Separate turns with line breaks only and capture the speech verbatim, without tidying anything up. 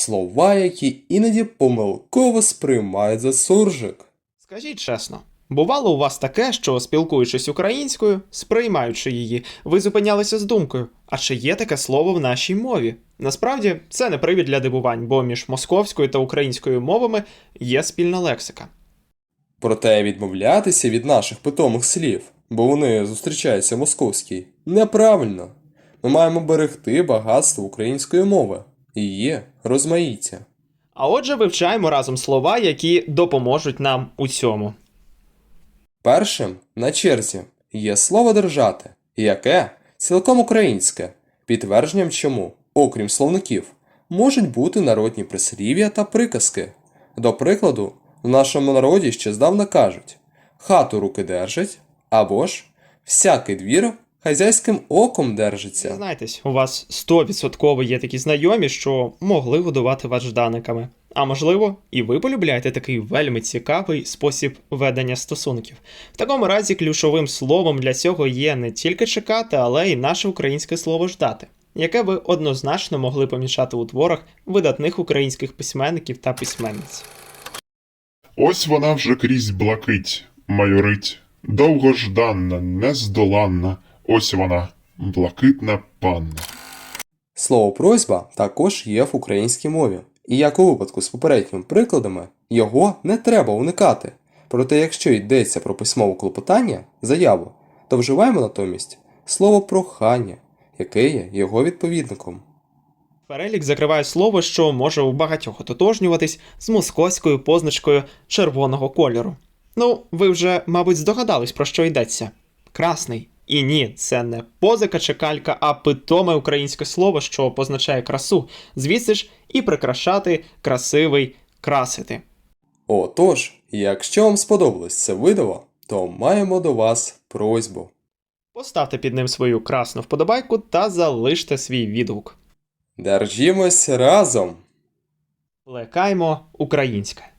слова, які іноді помилково сприймають за суржик.
Скажіть чесно, бувало у вас таке, що, спілкуючись українською, сприймаючи її, ви зупинялися з думкою, а чи є таке слово в нашій мові? Насправді, це не привід для дивувань, бо між московською та українською мовами є спільна лексика.
Проте відмовлятися від наших питомих слів, бо вони зустрічаються в московській, неправильно. Ми маємо берегти багатство української мови, її розмаїття.
А отже, вивчаємо разом слова, які допоможуть нам у цьому.
Першим на черзі є слово «держати», яке цілком українське, підтвердженням чому, окрім словників, можуть бути народні прислів'я та приказки. До прикладу, в нашому народі ще здавна кажуть «хату руки держать» або ж «всякий двір хазяйським оком держиться».
Зізнайтесь, у вас сто відсотків є такі знайомі, що могли годувати вас жданиками. А можливо, і ви полюбляєте такий вельми цікавий спосіб ведення стосунків. В такому разі ключовим словом для цього є не тільки чекати, але й наше українське слово «ждати», яке ви однозначно могли помічати у творах видатних українських письменників та письменниць.
Ось вона вже крізь блакить, майорить, довгожданна, нездоланна, ось вона, блакитна панна.
Слово «просьба» також є в українській мові. І як у випадку з попередніми прикладами, його не треба уникати. Проте якщо йдеться про письмове клопотання, заяву, то вживаємо натомість слово «прохання», яке є його відповідником.
Перелік закриває слово, що може у багатьох ототожнюватись з московською позначкою червоного кольору. Ну, ви вже, мабуть, здогадались, про що йдеться. Красний. І ні, це не позика чи калька, а питоме українське слово, що позначає красу. Звідси ж і прикрашати, красивий, красити.
Отож, якщо вам сподобалось це відео, то маємо до вас просьбу.
Поставте під ним свою красну вподобайку та залиште свій відгук.
Держімось разом!
Плекаймо українське.